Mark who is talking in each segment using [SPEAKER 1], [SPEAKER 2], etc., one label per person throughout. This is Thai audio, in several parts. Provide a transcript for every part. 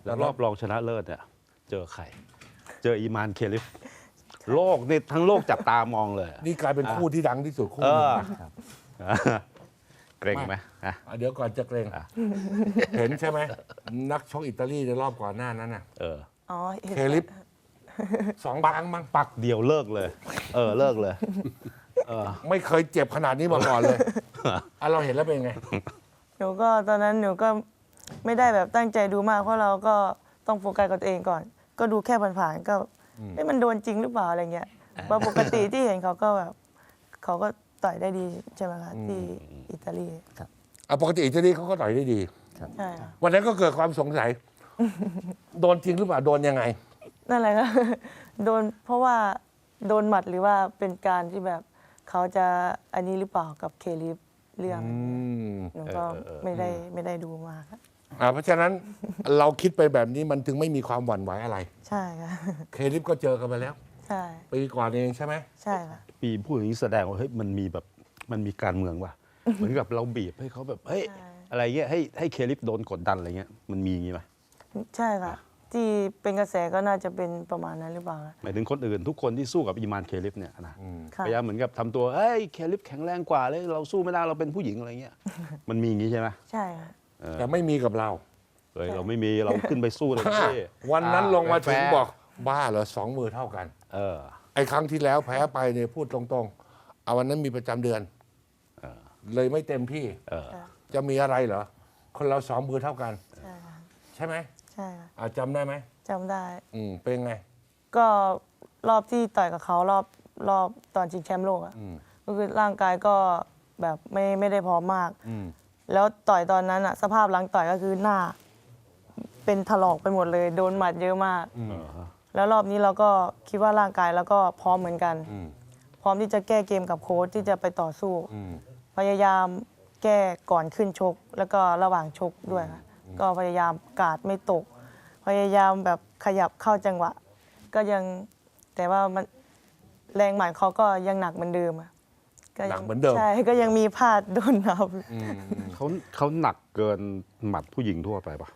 [SPEAKER 1] แล้วรอบรองชนะเลิศเนี่ยเจอใคร เจออีมานเคลิฟโลกนี่ทั้งโลกจับตามองเลย
[SPEAKER 2] นี่กลายเป็นคู่ที่ดังที่สุดคู่หนึงนะ
[SPEAKER 1] เกรงไหม
[SPEAKER 2] เดี๋ยวก่อนจะเกรงเห็นใช่ไหมนักชกอิตาลีในรอบก่อนหน้านั้นน่ะ
[SPEAKER 3] อ๋อเห็น
[SPEAKER 2] เคลิป2 ครั้งมั้ง
[SPEAKER 1] ปักเดียวเลิกเลย เลิกเลย
[SPEAKER 2] ไม่เคยเจ็บขนาดนี้มาก่อนเลยเราเห็นแล้วเป็นไง
[SPEAKER 3] หนูก็ตอนนั้นหนูก็ไม่ได้แบบตั้งใจดูมากเพราะเราก็ต้องโฟกัสกับตัวเองก่อน ก็ดูแค่ผ่านๆก็มันโดนจริงหรือเปล่าอะไรเงี้ยเพราะปกติที่เห็นเขาก็แบบเขาก็ต่อยได้ดีใช่ไหมคะที่อิตาลี
[SPEAKER 2] ปกติอิตาลีเขาก็ต่อยได้ดี
[SPEAKER 3] ใช่ค่ะ
[SPEAKER 2] วันนั้นก็เกิดความสงสัย โดนจริงหรือเปล่า โดนยังไง
[SPEAKER 3] นั่นแหละค่ะ โดนเพราะว่าโดนหมัดหรือว่าเป็นการที่แบบเขาจะอันนี้หรือเปล่ากับเคลิฟเรื่องหนูก็ไม่ได้ดูมากค่ะ
[SPEAKER 2] เพราะฉะนั้น เราคิดไปแบบนี้มันถึงไม่มีความหวั่นไหวอะไร
[SPEAKER 3] ใช่ค่ะ
[SPEAKER 2] เคลิปก็เจอกันไปแล้ว
[SPEAKER 3] ใช่
[SPEAKER 2] ปีก่อนเองใช่ไหม
[SPEAKER 3] ใช่ค่ะ
[SPEAKER 1] ปีพูดอย่างนี้แสดงว่าเฮ้ยมันมีการเมืองว่ะ เหมือนกับเราบีบให้เขาแบบเฮ้ย
[SPEAKER 3] ใช่
[SPEAKER 1] อะไรเงี้ยให้เคลิฟโดนกดดันอะไรเงี้ยมันมีอย่างงี้ไหม
[SPEAKER 3] ใช่ค่ะ ที่เป็นกระแสก็น่าจะเป็นประมาณนั้นหรือเปล่าคะ
[SPEAKER 1] หมายถึงคนอื่นทุกคนที่สู้กับอีมานเคลิฟเนี่ยนะ
[SPEAKER 3] ค่ะ
[SPEAKER 1] พยายามเหมือนกับทำตัวเฮ้ยเคลิฟแข็งแรงกว่าเลยเราสู้ไม่ได้เราเป็นผู้หญิงอะไรเงี้ย มันมีอย่างงี้ใช่ไหม
[SPEAKER 3] ใช่ค่ะ
[SPEAKER 2] แต่ไม่มีกับเรา
[SPEAKER 1] เฮ้ยเราไม่มีเราขึ้นไปสู้เลยพี่
[SPEAKER 2] วันนั้นลงมาถึง
[SPEAKER 1] แฟร์
[SPEAKER 2] บอกบ้าเหรอ2 มือเท่ากัน
[SPEAKER 1] เออ
[SPEAKER 2] ไอ้ครั้งที่แล้วแพ้ไปเนี่ยพูดตรงๆเอาวันนั้นมีประจำเดือนเลยไม่เต็มที่ จะมีอะไรเหรอ คนเรา2 มือเท่ากัน
[SPEAKER 3] ใช่ค่ะ
[SPEAKER 2] ใช่ไหม
[SPEAKER 3] ใช่ค่ะ
[SPEAKER 2] จำได้ไหม
[SPEAKER 3] จำได้
[SPEAKER 2] เป็นไง
[SPEAKER 3] ก็รอบที่ต่อยกับเขารอบตอนชิงแชมป์โลกอะก็คือร่างกายก็แบบไม่ได้พร้อมมาก แล้วต่อยตอนนั้นอะสภาพหลังต่อยก็คือหน้า เป็นถลอกไปหมดเลยโดนหมัดเยอะมาก แล้วรอบนี้เราก็คิดว่าร่างกายแล้วก็พร้อมเหมือนกัน พร้อมที่จะแก้เกมกับโค้ชที่จะไปต่อสู้ พยายามแก้ก่อนขึ้นชก แล้วก็ระหว่างชกด้วยค่ะก็พยายามกาดไม่ตก พยายามแบบขยับเข้าจังหวะ ก็ยังแต่ว่ามันแรงหมัดเขาก็ยังหนักเหมือนเดิมอะก็
[SPEAKER 2] หนั
[SPEAKER 3] ยั
[SPEAKER 2] กเหมือนเดิม
[SPEAKER 3] ใช่ก็ยังมีพลาดโดนนับ
[SPEAKER 1] เขาหนักเกินหมัดผู้หญิงทั่วไปปะ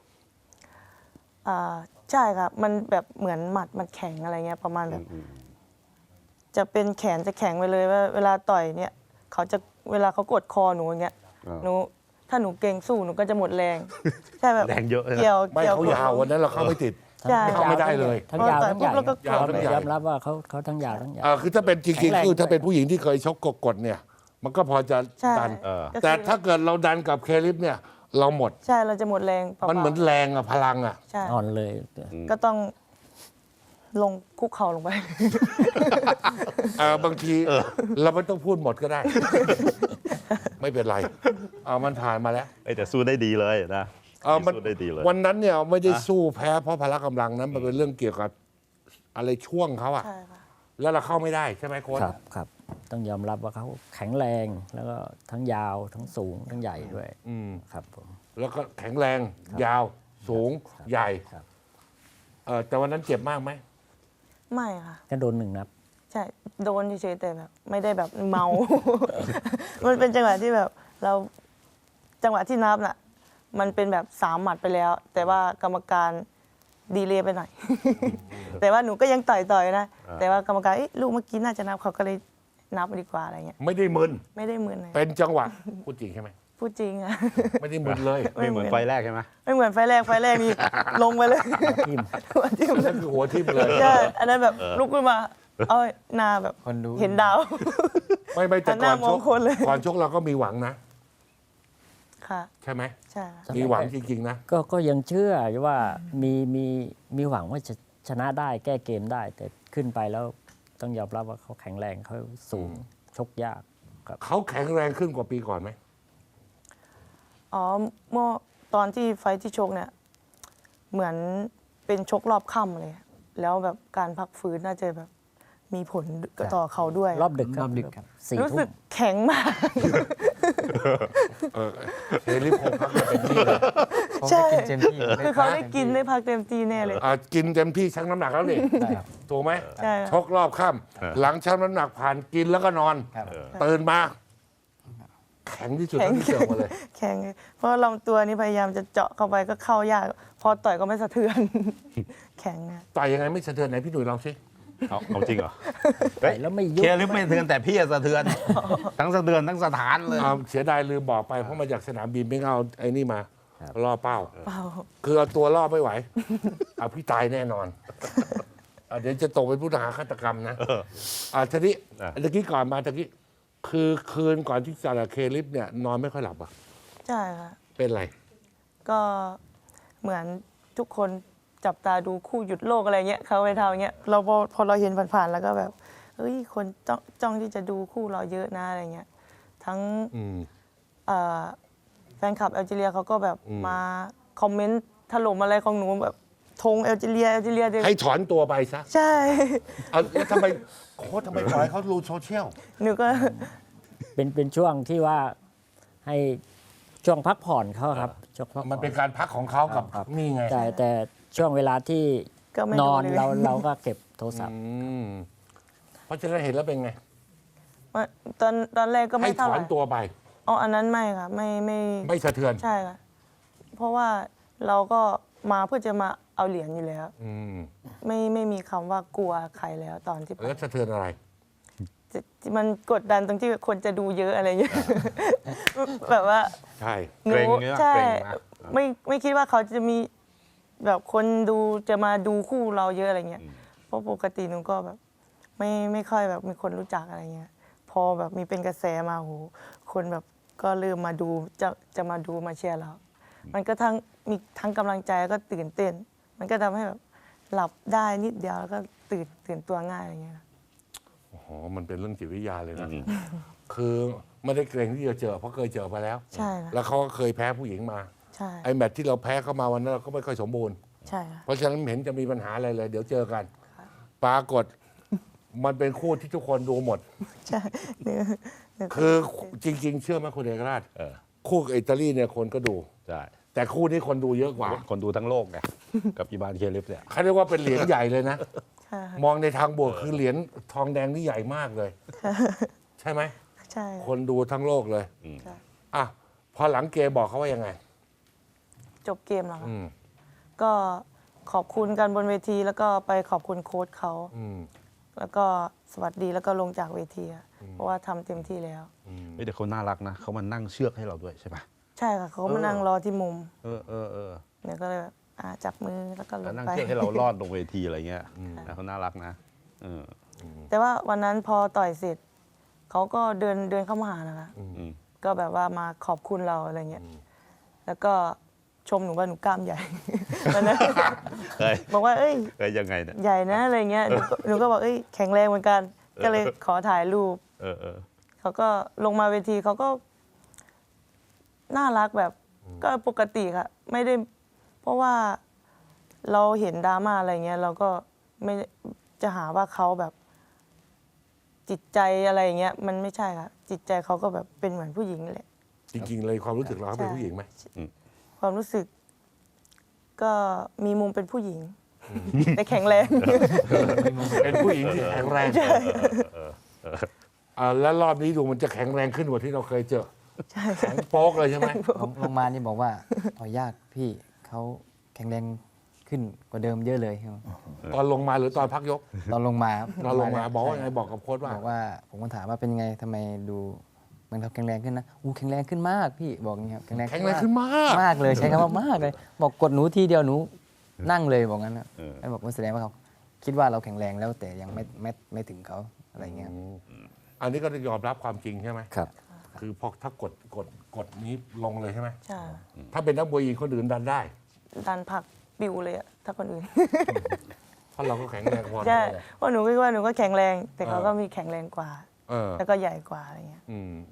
[SPEAKER 3] ใช่ครับมันแบบเหมือนหมัดมันแข็งอะไรเงี้ยประมาณแบบ จะเป็นแขนจะแข็งไปเลยว่าเวลาต่อยเนี่ยเขาจะเวลาเขากดคอหนูอย่างเงี้ยหนูถ้าหนูเก่งสู้หนูก็จะหมดแรง ใช่แบบ
[SPEAKER 1] แรงเยอะเลยนะ
[SPEAKER 3] เกี่ยว
[SPEAKER 2] ไม่เขา
[SPEAKER 3] กด
[SPEAKER 2] ยาววันนั้นเราเข้าไม่ติด
[SPEAKER 3] ใช่
[SPEAKER 2] เข้าไม่ได้เลย
[SPEAKER 4] ทั้งยาวทั้งใหญ่
[SPEAKER 3] แล้วก็
[SPEAKER 2] ยาวทั้งใหญ่
[SPEAKER 4] ยอมรับว่าเขาทั้งยาวทั้งใหญ่
[SPEAKER 2] คือถ้าเป็นจริงๆคือถ้าเป็นผู้หญิงที่เคยชกกดเนี่ย มันก็พอจะ
[SPEAKER 3] ใช่
[SPEAKER 2] ดัน
[SPEAKER 3] ก็คือ
[SPEAKER 2] แต่ถ้าเกิดเราดันกับเคลิปเนี่ย เราหมด
[SPEAKER 3] ใช่เราจะหมดแรงเปล่าๆ
[SPEAKER 2] มันเหมือนแรงพลัง
[SPEAKER 3] ใช่
[SPEAKER 4] อ่อนเลย
[SPEAKER 3] ก็ต้องลงคุกเข่าลงไป
[SPEAKER 2] บางทีเราไม่ต้องพูดหมดก็ได้ ไม่เป็นไรมันผ่านมาแล้ว
[SPEAKER 1] แต่สู้ได้ดีเลยนะ
[SPEAKER 2] มัน
[SPEAKER 1] สู้ได้ดีเลย
[SPEAKER 2] วันนั้นเนี่ยไม่ได้สู้แพ้เพราะพละกำลังนั้นมันเป็นเรื่องเกี่ยวกับอะไรช่วงเขาอะ
[SPEAKER 3] ใช่ค่ะ
[SPEAKER 2] แล้วเราเข้าไม่ได้ใช่ไหมโค้ช
[SPEAKER 4] ครับต้องยอมรับว่าเขาแข็งแรงแล้วก็ทั้งยาวทั้งสูงทั้งใหญ่ด้วยครับผม
[SPEAKER 2] แล้วก็แข็งแรงยาวสูงใหญ่
[SPEAKER 4] ครับ
[SPEAKER 2] แต่วันนั้นเจ็บมากไหม
[SPEAKER 3] ไม่ค่ะ
[SPEAKER 4] ก็โดน1 นัด
[SPEAKER 3] ใช่ โดนเฉยๆแต่แบบ ไม่ได้แบบเมา มันเป็นจังหวะที่แบบเราจังหวะที่นับน่ะ มันเป็นแบบ3 หมัดไปแล้ว แต่ว่ากรรมการดีเลย์ไปหน่อย แต่ว่าหนูก็ยังต่อยๆนะ แต่ว่ากรรมการลูกเมื่อกี้น่าจะนับเขาก็เลยนับดีกว่าอะไรเงี้ย
[SPEAKER 2] ไม่ได้มึน
[SPEAKER 3] ไม่ได้มึนเลย
[SPEAKER 2] เป็นจังหวะพูดจริงใช่ไหม
[SPEAKER 3] พูดจริงอะ
[SPEAKER 2] ไม่ได้มึนเลย
[SPEAKER 1] ไม่เหมือนไฟแรกใช่ไหม
[SPEAKER 3] ไม่เหมือนไฟแรกนี่ ลงไปเลย
[SPEAKER 4] ทิ่ม
[SPEAKER 3] หัวทิ่มเล
[SPEAKER 2] นั่
[SPEAKER 3] ย
[SPEAKER 2] นคือหัวทิ่มเลย
[SPEAKER 3] ใช่อันนั้นแบบลุกขึ้นมาเอาหน้าแบบ
[SPEAKER 5] คนดู
[SPEAKER 3] เห็นดาว
[SPEAKER 2] ไม่แต่
[SPEAKER 3] หันห
[SPEAKER 2] ก่
[SPEAKER 3] น้า
[SPEAKER 2] อน
[SPEAKER 3] ม
[SPEAKER 2] ช
[SPEAKER 3] อง
[SPEAKER 2] ก
[SPEAKER 3] คนเลย
[SPEAKER 2] ก่อนชกเราก็มีหวังนะ
[SPEAKER 3] ค่ะ
[SPEAKER 2] ใช่ไหม
[SPEAKER 3] ใช่ค่ะ
[SPEAKER 2] มีหวังจริงๆนะ
[SPEAKER 4] ก็ยังเชื่อว่ามีหวังว่าจะชนะได้แก้เกมได้ แต่ขึ้นไปแล้วต้องยอมรับว่าเขาแข็งแรงเขาสูงชกยากครับ
[SPEAKER 2] เขาแข็งแรงขึ้นกว่าปีก่อนไหม
[SPEAKER 3] อ๋อเมื่อตอนที่ไฟท์ที่ชกเนี่ย เหมือนเป็นชกรอบค่ำเลย แล้วแบบการพักฟื้นน่าจะแบบมีผลต่อเขาด้วย
[SPEAKER 4] รอบดึก
[SPEAKER 5] รอบดึกครับ
[SPEAKER 4] 4
[SPEAKER 3] รู้
[SPEAKER 4] ทุ่
[SPEAKER 3] สึก
[SPEAKER 4] ม
[SPEAKER 3] แข็งมาก
[SPEAKER 2] เฮลิคงพักมาเป็นที่เลย
[SPEAKER 5] เขา
[SPEAKER 3] ใช่
[SPEAKER 5] ได้กินเต็มที่
[SPEAKER 3] คือเขาได้กินได้พักเต็มที่แน่เลย
[SPEAKER 2] กินเต็มที่ชั่งน้ำหนักแล้วนี่
[SPEAKER 5] ได้ครับ
[SPEAKER 2] ถูกไหม
[SPEAKER 3] ใช่
[SPEAKER 2] ชกรอบค่ำหลังชั่งน้ำหนักผ่านกินแล้วก็นอน
[SPEAKER 5] ครับ
[SPEAKER 2] ตื่นมา แข็งที่สุดเท่าที่เจอมาเลย
[SPEAKER 3] แข็งเลยเพราะลำตัวนี้พยายามจะเจาะเข้าไปก็เข้ายากพอต่อยก็ไม่สะเทือน แข็งอะ
[SPEAKER 2] ต่อยยังไงไม่สะเทือนไหนพี่หนุ่ยลองสิ
[SPEAKER 1] เอาจริงเหรอ
[SPEAKER 4] ต่อยแล้วไม่ยุบ
[SPEAKER 1] เคลิฟไม่สะเทือนแต่พี่อะสะเทือน ทั้งสะเทือนทั้งสถานเลย
[SPEAKER 2] เสียดายลืมบอกไปเพราะมาจากสนามบินไม่เอาไอ้นี่มา
[SPEAKER 4] ครับ
[SPEAKER 2] ล่อเป้า
[SPEAKER 3] เปล่า
[SPEAKER 2] คือเอาตัวล่อไม่ไหว เอาพี่ตายแน่นอนเดี๋ยวจะตกเป็นผู้ต้องหาฆาตกรรมนะทีนี้ตะกี้ก่อนมาตะกี้คือคืนก่อนที่จะเคลิฟเนี่ยนอนไม่ค่อยหลับอ่ะ
[SPEAKER 3] ใช่ค่ะ
[SPEAKER 2] เป็นไร
[SPEAKER 3] ก็เหมือนทุกคนจับตาดูคู่หยุดโลกอะไรเงี้ยเขาไปทำอย่างเงี้ยเราพอเราเห็นผ่านๆแล้วก็แบบเอ้ยคนจ้องที่จะดูคู่เราเยอะนะอะไรเงี้ยทั้ง
[SPEAKER 2] อืม
[SPEAKER 3] เอ่อแฟนคลับแอลจีเรียเขาก็แบบ
[SPEAKER 2] อืม
[SPEAKER 3] มาคอมเมนต์ถล่มอะไรของหนูแบบธงแอลจีเรียเดี๋ยว
[SPEAKER 2] ให้ถอนตัวไปซะ
[SPEAKER 3] ใช่
[SPEAKER 2] เอาแล้วทำไมโค้ชทำไมปล่อยให้เขารู้โซเชียล
[SPEAKER 3] หนูก็
[SPEAKER 4] เป็นช่วงที่ว่าให้ช่วงพักผ่อนเขาครับช่วงพักผ่อน
[SPEAKER 2] มันเป็นการพักของเขากับ
[SPEAKER 4] ครับ
[SPEAKER 2] นี่ไง
[SPEAKER 4] แต่ช่วงเวลาที่
[SPEAKER 3] ก็ไม่
[SPEAKER 4] น
[SPEAKER 3] ดู
[SPEAKER 4] อน
[SPEAKER 3] เลย
[SPEAKER 4] เราก็เก็บโทรศัพท์
[SPEAKER 2] เพราะฉะนั้นเห็นแล้วเป็นไง
[SPEAKER 3] ตอนแรกก็
[SPEAKER 2] ให้
[SPEAKER 3] ไม่
[SPEAKER 2] ถ
[SPEAKER 3] เท่า
[SPEAKER 2] อ
[SPEAKER 3] ไห
[SPEAKER 2] น
[SPEAKER 3] ร่
[SPEAKER 2] ตัวไป
[SPEAKER 3] อ๋ออันนั้นไม่ค่ะไม่
[SPEAKER 2] ไม่สะเทือน
[SPEAKER 3] ใช่ค่ะเพราะว่าเราก็มาเพื่อจะมาเอาเหรียญอยู่แล้ว
[SPEAKER 2] อืม
[SPEAKER 3] ไม่มีคำว่ากลัวใครแล้วตอนที่ไป
[SPEAKER 2] แล้วสะเทือนอะไร
[SPEAKER 3] มันกดดันตรงที่คนจะดูเยอะอะไรเงี้ย แบบว่า
[SPEAKER 2] ใช่
[SPEAKER 3] หนู
[SPEAKER 1] เกรงเงี้ย
[SPEAKER 3] ใช่
[SPEAKER 1] เกรงนะ
[SPEAKER 3] ไม่คิดว่าเขาจะมีแบบคนดูจะมาดูคู่เราเยอะอะไรเงี้ยเพราะปกติหนูก็แบบไม่ค่อยแบบมีคนรู้จักอะไรเงี้ยพอแบบมีเป็นกระแสมาโหคนแบบก็เริ่มมาดูจะมาดูมาเชียร์เรา มันก็มีทั้งกำลังใจแล้วก็ตื่นเต้น มันก็ทำให้แบบหลับได้นิดเดียวแล้วก็ตื่นตัวง่ายอะไรเงี้ย
[SPEAKER 2] โอ้โหมันเป็นเรื่องจิตวิทยาเลยนะ คือไม่ได้เกรงที่จะเจอเพราะเคยเจอมาแล้ว
[SPEAKER 3] ใช่ค่ะ
[SPEAKER 2] แล้วเขาก็เคยแพ้ผู้หญิงมา
[SPEAKER 3] ใช่
[SPEAKER 2] ไอ้แมตช์ที่เราแพ้เข้ามาวันนั้นเราก็ไม่ค่อยสมบูรณ์
[SPEAKER 3] ใช่ค่ะ
[SPEAKER 2] เพราะฉะนั้นไม่เห็นจะมีปัญหาอะไรเลย เดี๋ยวเจอกัน ปรากฏ มันเป็นคู่ที่ทุกคนดูหมด
[SPEAKER 3] ใช่หนูก็
[SPEAKER 2] คือจริง ๆ เชื่อไหมคุณเอกราช
[SPEAKER 1] เออ
[SPEAKER 2] คู่กับอิตาลีเนี่ยคนก็ดู
[SPEAKER 1] ใช่
[SPEAKER 2] แต่คู่นี้คนดูเยอะกว่า
[SPEAKER 1] คนดูทั้งโลกไงกับอีบานเคลิฟเนี่ย
[SPEAKER 2] เขาเรียกว่าเป็นเหรียญใหญ่เลยนะ
[SPEAKER 3] ใช่ค่ะ
[SPEAKER 2] มองในทางบวกคือเหรียญทองแดงนี่ใหญ่มากเลย ใช่ไหม
[SPEAKER 3] ใช่
[SPEAKER 2] คนดูทั้งโลกเลย
[SPEAKER 3] ใช่
[SPEAKER 2] อ่ะพอหลังเกมบอกเขาว่ายังไง
[SPEAKER 3] จบเกมแล้วค่ะ
[SPEAKER 2] อืม
[SPEAKER 3] ก็ขอบคุณกันบนเวทีแล้วก็ไปขอบคุณโค้ชเขา
[SPEAKER 2] อืม
[SPEAKER 3] แล้วก็สวัสดีแล้วก็ลงจากเวทีอะเพราะว่าทำเต็มที่แล้ว
[SPEAKER 1] เฮ้ยแต่เขาน่ารักนะเขามานั่งเชือกให้เราด้วยใช่ปะ
[SPEAKER 3] ใช่ค่ะเขาก็มานั่งรอที่มุม
[SPEAKER 1] เออ
[SPEAKER 3] เนี่ยก็เลยแบบจับมือแล้วก็ล
[SPEAKER 1] แล้ว
[SPEAKER 3] ง
[SPEAKER 1] นั่ง
[SPEAKER 3] ไป
[SPEAKER 1] เชือกให้เรารอดลงเวทีอะไรเงี้ยนะเขาน่ารักนะเออ
[SPEAKER 3] แต่ว่าวันนั้นพอต่อยเสร็จเขาก็เดินเข้ามาหานะคะ
[SPEAKER 1] อืม
[SPEAKER 3] ก็แบบว่ามาขอบคุณเราอะไรเงี้ยแล้วก็ชมหนูว่าหนูกล้ามใหญ่ วันนั้น
[SPEAKER 1] เฮ้ย
[SPEAKER 3] บอกว่าเอ้ย
[SPEAKER 1] เฮ้ยยังไงเนี่ย
[SPEAKER 3] ใหญ่นะอะไรเงี้ยหนูก็บอกเอ้ยแข็งแรงเหมือนกัน ก็เลยขอถ่ายรูป
[SPEAKER 1] เออ
[SPEAKER 3] เขาก็ลงมาเวทีเขาก็น่ารักแบบก็ปกติค่ะ ไม่ได้ เพราะว่าเราเห็นดราม่าอะไรเงี้ย เราก็ไม่จะหาว่าเขาแบบ จิตใจอะไรเงี้ย มันไม่ใช่ค่ะ จิตใจเขาก็แบบเป็นเหมือนผู้หญิงแหละ
[SPEAKER 2] จริง ๆ เลยความรู้สึกเราเขาเป็นผู้หญิงไหม
[SPEAKER 3] ความรู้สึก ก็มีมุมเป็นผู้หญิง แต่แข็งแรง
[SPEAKER 2] เป็นผู้หญิงที่แข็งแรงแล้วรอบนี้ดูมันจะแข็งแรงขึ้นกว่าที่เราเคยเจอแข็งโป๊กเลยใช่ไหม
[SPEAKER 5] ลงมานี่บอกว่าต่อยยากพี่เขาแข็งแรงขึ้นกว่าเดิมเยอะเลยครับ
[SPEAKER 2] ตอนลงมาหรือตอนพักยก
[SPEAKER 5] ตอนลงมาครับ
[SPEAKER 2] ตอนลงมา
[SPEAKER 5] ใช่
[SPEAKER 2] บอกว่าไงบอกกับโค้ชว่า
[SPEAKER 5] บอกว่าผมก็ถามว่าเป็นยังไงทำไมดูเหมันเขาแข็งแรงขึ้นนะแข็งแรงขึ้นมากพี่บอกอย่างนี้ครับแข็งแรง
[SPEAKER 2] แข็งแรงขึ้นมาก
[SPEAKER 5] มากเลยใช้คำว่ามากเลย บอกกดหนูทีเดียวหนูนั่งเลยบอกงั้นนะแล้วบอกว่าแสดงว่าเขาคิดว่าเราแข็งแรงแล้วแต่ยังไม่ถึงเขาอะไรเงี้ยครับ
[SPEAKER 2] อันนี้ก็ต้องยอมรับความจริงใช่ไหม
[SPEAKER 5] ครับ
[SPEAKER 2] คือพอถ้ากดนี้ลงเลยใช่ไหม
[SPEAKER 3] ใช่
[SPEAKER 2] ถ้าเป็นนักมวยหญิงคนอื่นดันได้
[SPEAKER 3] ดันผลักปิวเลยอะถ้าคนอื่น
[SPEAKER 2] เพราะเราก็แข็งแรงพอ
[SPEAKER 3] ใช่
[SPEAKER 2] แล้ว
[SPEAKER 3] เพราะหนูคิดว่าหนูก็แข็งแรง แต่เขาก็มีแข็งแรงกว่า
[SPEAKER 2] เออ
[SPEAKER 3] แล้วก็ใหญ่กว่าอะไรเงี้ย
[SPEAKER 2] อืม